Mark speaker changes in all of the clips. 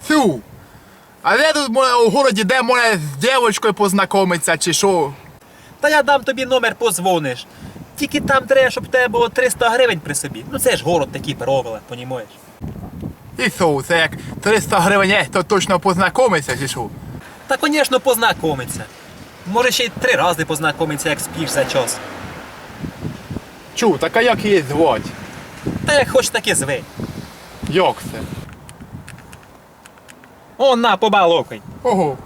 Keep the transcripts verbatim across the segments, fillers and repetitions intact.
Speaker 1: Фу. А де тут може у городі, де може з дівчинкою познайомитися чи що?
Speaker 2: Та я дам тобі номер, позвониш. Тільки там треба, щоб в тебе було триста гривень при собі. Ну це ж город такі правила, понімаєш?
Speaker 1: І що, це як триста гривень є, то точно познайомитися чи що?
Speaker 2: Та, звісно, познайомиться. Може ще й три рази познайомиться, як спіш за час.
Speaker 1: Чу, так а як її звати?
Speaker 2: Та як хоч таки звей.
Speaker 1: Як це?
Speaker 2: О, на, побалокай.
Speaker 1: Ого.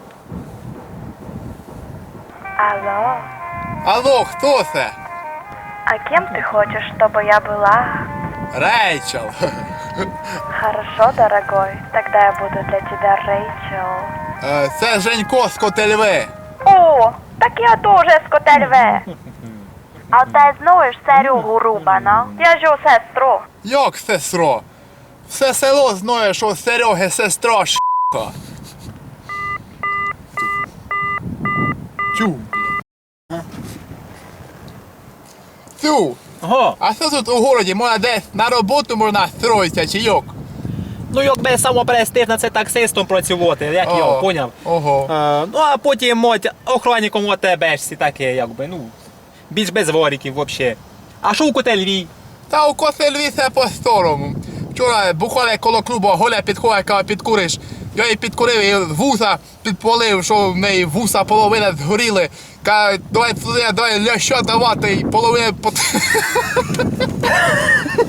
Speaker 3: Алло,
Speaker 1: Алло, хто це?
Speaker 3: а кем ты хочешь, чтобы я была?
Speaker 1: Рейчел.
Speaker 3: Хорошо, дорогой, тогда я буду для тебя Рэйчел.
Speaker 1: Е, Це Женько з Котельви.
Speaker 3: О, так я тоже з Котельви. А ти знаєш Серегу Рубана? Я ж його сестру.
Speaker 1: Як сестро? Все село знає, що Сереги сестра ш**ка. Чу. Цю.
Speaker 2: Ого.
Speaker 1: А що тут у городі? Можна десь на роботу можна строїтися чи як?
Speaker 2: Ну якби самопрестижно це таксистом працювати, як
Speaker 1: О,
Speaker 2: я, поняв?
Speaker 1: Ого.
Speaker 2: Е, ну а потім мать, охранником у тебе ж таке, якби, ну, більш без воріків взагалі. А що у Котельві?
Speaker 1: Та у Котельві все по-старому. Вчора бухали коло клубу, Голя підходить, каже, підкуриш. Я її підкурив і вуса підпалив, що в неї вуса половина згоріли. Каже, давай туди, давай ляща давати, і половина... пот-